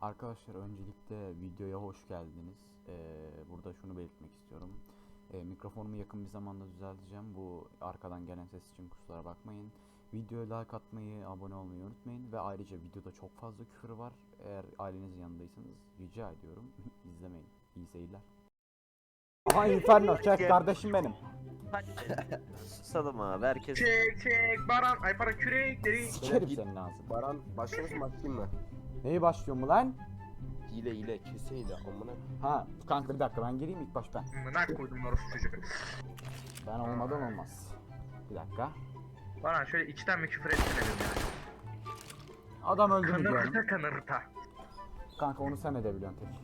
Arkadaşlar öncelikle videoya hoş geldiniz. Burada şunu belirtmek istiyorum. Mikrofonumu yakın bir zamanda düzelteceğim. Bu arkadan gelen ses için kusura bakmayın. Videoya like atmayı, abone olmayı unutmayın. Ve ayrıca videoda çok fazla küfür var. Eğer ailenizin yanındaysanız rica ediyorum izlemeyin. İyi seyirler. Aha Inferno çek kardeşim benim. Susalım abi herkes. Çek Baran ay para kürekleri. Sikerim senin ağzını. Baran başlamış mı başlayayım mı? Neyi başlıyor mu lan? Hile keseyle amına. Ha kanka bir dakika ben gireyim ilk baş ben. Mınak koydum orası çocuğu. Ben olmadan olmaz. Bir dakika. Baran şöyle içten mi küfür etsene dedim yani. Adam öldü mü diyorum. Kanırta. Kanka onu sen edebiliyorsun tek.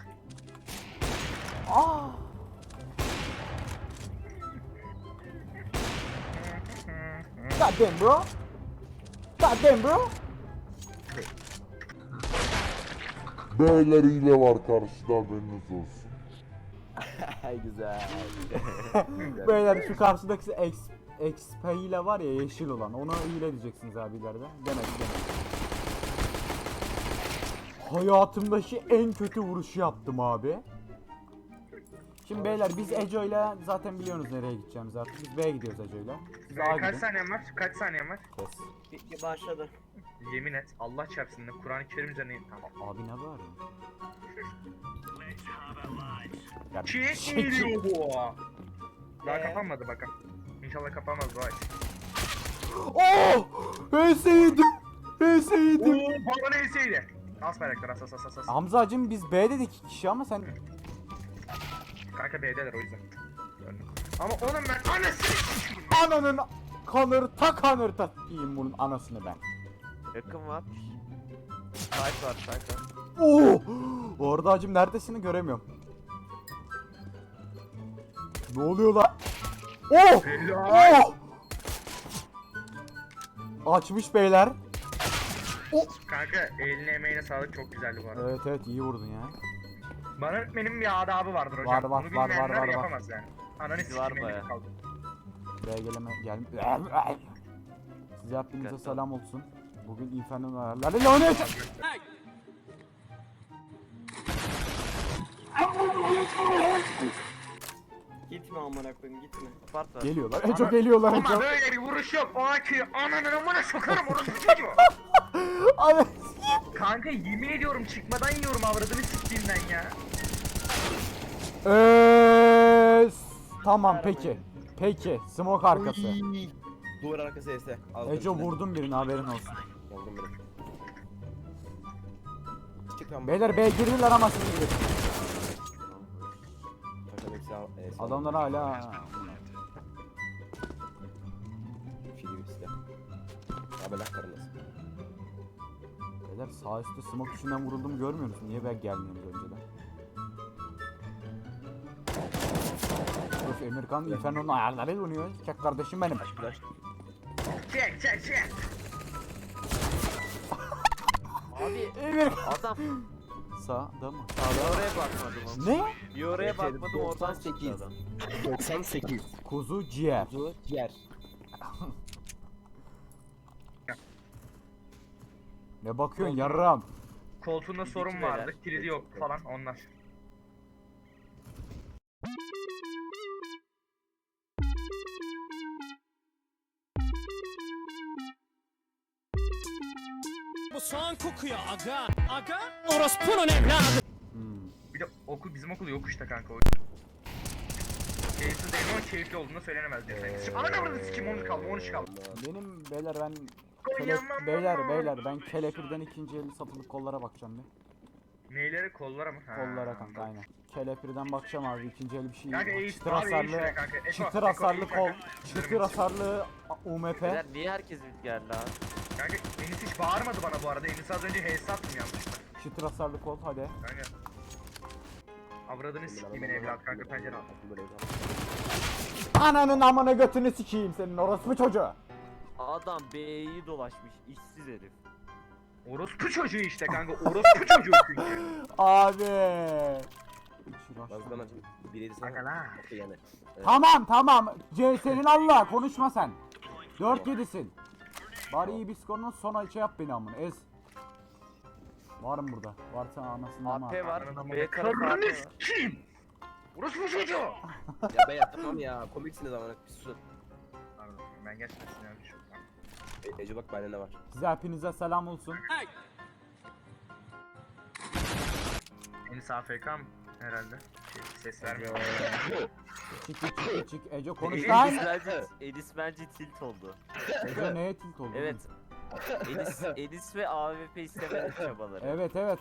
Aa! God damn bro. God damn bro. Beyler hile var karşıda haberiniz olsun. Güzel. Beyler şu karşıdaki XP ile var ya yeşil olan onu hile diyeceksiniz abilerde. Demek. Hayatımdaki en kötü vuruşu yaptım abi. Şimdi beyler biz Ejo ile zaten biliyorsunuz nereye gideceğimizi artık. Biz B'ye gidiyoruz Ejo ile. Siz A'ya Kaç gidin. saniyen var? Kaç saniyen var? Kes. Başladı. Yemin et Allah çarpsın da Kur'an-ı Kerim üzerine tamam. Abi ne bağırıyorsun? Ya Çek geliyor bu. Daha kapanmadı bakalım. İnşallah kapanmaz bu ay. Oh! Ölseydim! Ölseydim! Baba neyseydi? As bayraklar as. Hamzacığım biz B'de de 2 kişi ama sen... Kanka B'deler o yüzden. Gördüm. Ama oğlum ben anasını Ananın kanırta diyeyim bunun anasını ben. Yakın var. Site var. Oo! Orada hacım neredesin göremiyorum. Ne oluyor lan? Oh! Oh! Açmış beyler. Kanka eline emeğine sağlık çok güzeldi bu arada. Evet iyi vurdun ya. Bana öğretmenim bir adabı vardır hocam. Var, Bunu bilmeyenler var. yapamaz yani. Ananı Var sikeyim bayağı. elimde kaldı. Buraya Size hepinize selam olsun. Bugün Inferno'nun ayarlarıyla oynayacağız. Gitme amına koyayım gitme. Part var. Geliyorlar. Eco geliyorlar Ama Eco. böyle bir vuruş yok. O aki ananın amına sokarım orası çocuğu. Abi. Kanka yemin ediyorum çıkmadan yiyorum avradını siktiğimden ya. Tamam peki. Smoke arkası. Duvar arkası ese. Eco vurdum birini haberin olsun. Vurdum biri. Çık lan. Beyler B girdiler ama siz girin. Takım eksi al. Adamlar hala. Fili bir silah. Abelak karınız. Beyler sağ üstte smoke içinden vuruldum görmüyor musun? Niye ben gelmiyoruz önceden? Of Emirkan Inferno'nun ayarlarıyla oynuyor. Çek kardeşim benim. Flash. Çek. Abi Emir. adam Sağda mı? bir oraya bakmadım ama. Ne? Bir oraya bakmadım oradan 98. çıktı adam. 98. Kuzu ciğer. Kuzu ciğer. Ne bakıyorsun yarram? Koltuğunda sorun beyler. vardı. Kilidi yok falan onlar. Bu soğan kokuyor aga. Aga orospunun evladı. Bir de bizim okul yok işte kanka o. Keyifsiz değil ama keyifli olduğunu söylenemez diye. Şimdi ana avradını sikeyim 13 kaldı. Benim beyler ben Koyamam. beyler ben kelepirden ikinci eli satılık kollara bakacağım bir. Neyleri kollara mı? Ha. Kollara kanka aynen. Kelepirden bakacağım abi ikinci el bir şey. Kanka eğit Çıtır abi eğit hasarlı. şuraya kanka. Eko, Çıtır Eko, hasarlı eğit kol. kanka. Çıtır hasarlı UMP. Beyler niye herkes bir geldi abi? Kanka Enis hiç bağırmadı bana bu arada. Enis az önce HS attım yanlışlıkla. Çıtır hasarlı kol hadi. Kanka. Avradını sikeyim evlat kanka pencere al. Ananın amına götünü sikeyim senin orospu çocuğu. Adam B'yi dolaşmış işsiz herif. Orospu çocuğu işte kanka. Orospu çocuğu çünkü. Abi. Bazıdan açın. Bir yedi Kanka sana. la. Yani. Tamam. Senin Allah konuşma sen. 4-7'sin. Bari iyi bir skorun son şey yap beni amına ez. Var mı burada? Varsa anasını ama. AP var. Ananı B tarafı AP Karnını var. s**eyim. Burası bu çocuğu. Ya ben yapamam ya. Komiksiniz ama. Bir susun. Pardon ben gerçekten sinirlendim şu an. Ece bak bende ne var. Size hepinize selam olsun. Enis AFK mı? Herhalde. Ses vermiyor. Çık Ece konuş Edis lan. bence, Edis bence tilt oldu. Ece neye tilt oldu? Evet. Edis ve AWP istemedi çabaları. Evet evet.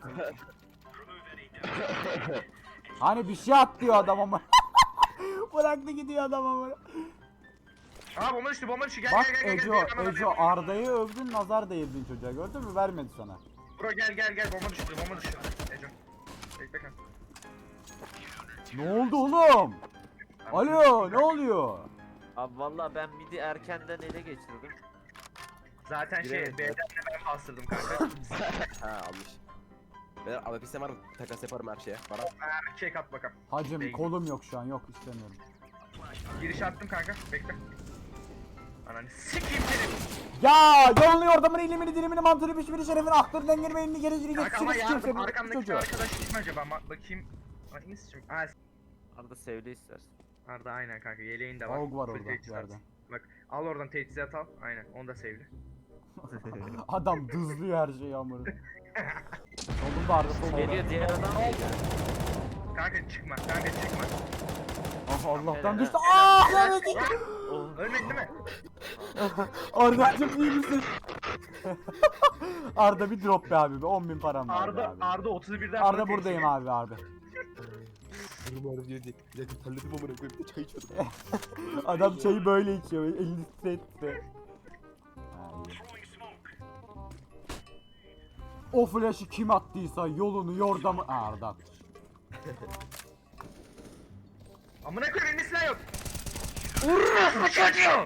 Hani bir şey at diyor adam ama. Bıraktı gidiyor adam ama. Aa bomba düştü bomba düştü gel Bak gel gel Eco, gel gel. Eco Arda'yı övdün nazar değirdin çocuğa gördün mü vermedi sana. Bro gel bomba düştü bomba düştü. Eco. Bekle kanka. Ne oldu oğlum? Alo ne oluyor? Abi valla ben midi erkenden ele geçirdim. Zaten şey Giremedim. B'den de ben bastırdım kanka. Ha almış. Ben AWP'si var mı? Takas yaparım her şeye. Bana. Check at bakalım. Hacım Değil. kolum yok şu an yok istemiyorum. Giriş attım kanka. Bekle. Ananı sikeyim seni. Ya yolluyor adamın ilimini dilimini mantığını pişmini şerefini aklını dengeni beynini geri geri Kanka ama geçişini yardım arkamdaki çocuğu. arkadaş kim acaba? Bakayım. Ay Enis'cim. Aa Arada sevdi istersin. Arda aynen kanka yeleğin de var. Avuk var Full orada teçhizat. yerde. Bak al oradan teçhizat al. Aynen onu da sevdi. Adam dızlıyor her şeyi amına. Solunda Arda solunda. Geliyor diğer adam değil. Kanka çıkma kanka çıkma. Ah Allah'tan Helal. düştü. Ah lanet. Oh. Ölmedin değil mi? Arda'cım iyi misin? Arda bir drop be abi be 10.000 param var be Arda abi. Arda 31'den Arda buradayım abi abi. Durum ağrım diyor diye. Bir dakika terledim amına koyayım. Bir de çay içiyordum. Adam çayı böyle içiyor. Elini titretti. Ha, iyi. O flash'ı kim attıysa yolunu yordamı... Aa, Arda atmış. Amına koyayım elinde silah yok. Urrrr bu çocuğu.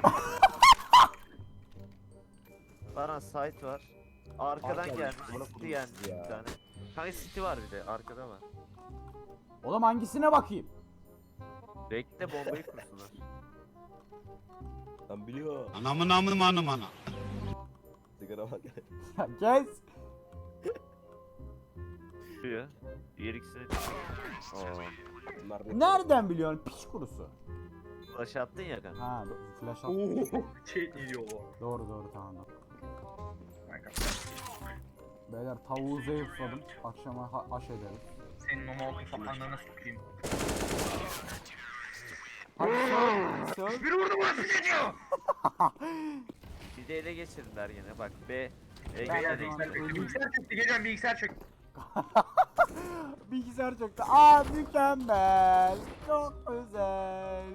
Baran site var. Arkadan Arkadan gelmiş. bana City kurmuş gelmiş ya. bir tane. Kanka City var bir de arkada var. Oğlum hangisine bakayım? Bekle bombayı kursunlar. Lan biliyor. Anamın amım anım ana. Sigara bak. Ya kes. Şuraya. Diğer ikisini Oo. Bunlar Nereden biliyorsun piç kurusu? Flash attın ya kanka. Ha flash at. Şey yiyor o. Doğru tamam. Kanka Beyler tavuğu zayıfladım. Akşama aş ederiz. senin o mouth'un falan ananı sokayım. Hadi söyle. Bir vurdu burası çocuğu. Bir de ele geçirdiler yine bak B. Beyler Ben- bilgisayar çöktü geliyorum bilgisayar çöktü. Bilgisayar çöktü. Aa mükemmel. Çok güzel.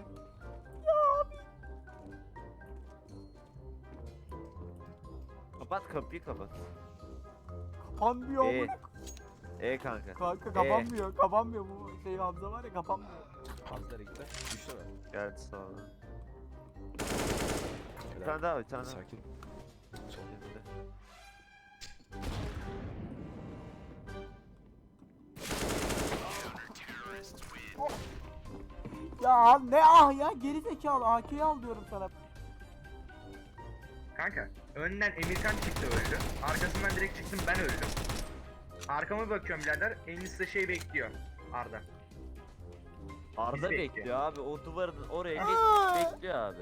Kapat kapıyı kapat. Kapanmıyor E. amına. Kanka. Kanka kapanmıyor. Kapanmıyor bu şey Hamza var ya kapanmıyor. Hazlara gitti. Düştü mü? Geldi sağdan. Bir tane daha bir tane daha. Sakin. Önünde. Ya ne ah ya geri zekalı AK'yi al diyorum sana. Kanka önden Emirkan çıktı öldü. Arkasından direkt çıktım ben öldüm. Arkama bakıyorum birader. Enis de şey bekliyor. Arda. Arda Biz bekliyor. bekliyor abi o duvarın oraya bekliyor abi.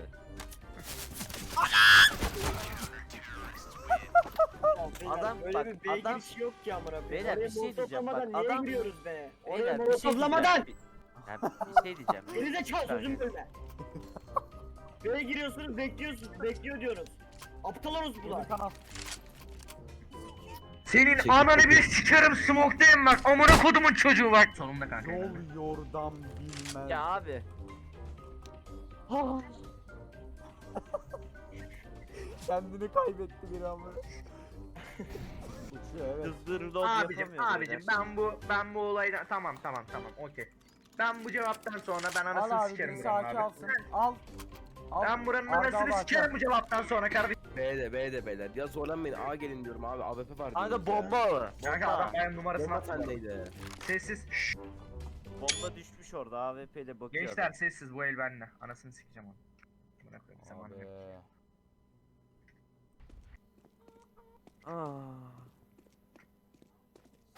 Adam Öyle bak, bir B adam- girişi yok ki amına koyayım. Beyler, Oraya bir şey diyeceğim, molotovlamadan bak, niye adam- giriyoruz be? Oraya Beyler bir şey diyeceğim. molotovlamadan. Ya, bir şey diyeceğim. Gerizekalı sözüm böyle. B'ye giriyorsunuz bekliyor diyoruz. Aptal orospular. Emirkan al. Senin Çekil, ananı çekil. bir sikerim smoke'dayım bak. Amına kodumun çocuğu bak. Sonunda kanka. Yol yordam bilmem. Ya abi. Kendini kaybetti bir ama. Uçuyor evet. Hızlı reload Abicim yapamıyor beyler. ben bu olaydan tamam okey. Ben bu cevaptan sonra ben Al anasını abi sikerim birisi buranın AK abi. alsın. Al. Al. Ben buranın Arda anasını al sikerim AK. bu cevaptan sonra kardeşim. B'de beyler. Ya zorlanmayın. A gelin diyorum abi. AWP var Kanka diyoruz bomba var. Kanka adam Bomba. bayan numarasını Bomba attı. sendeydi. Sessiz. Şşş. Bomba düşmüş orada AWP ile bakıyor. Gençler sessiz bu el bende. Anasını sikeceğim onu. Bırak öyle zamanı yok. Abi. Aa.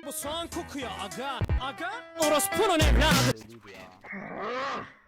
Bu soğan kokuyor aga. Aga orospunun evladı. Belliydi ya.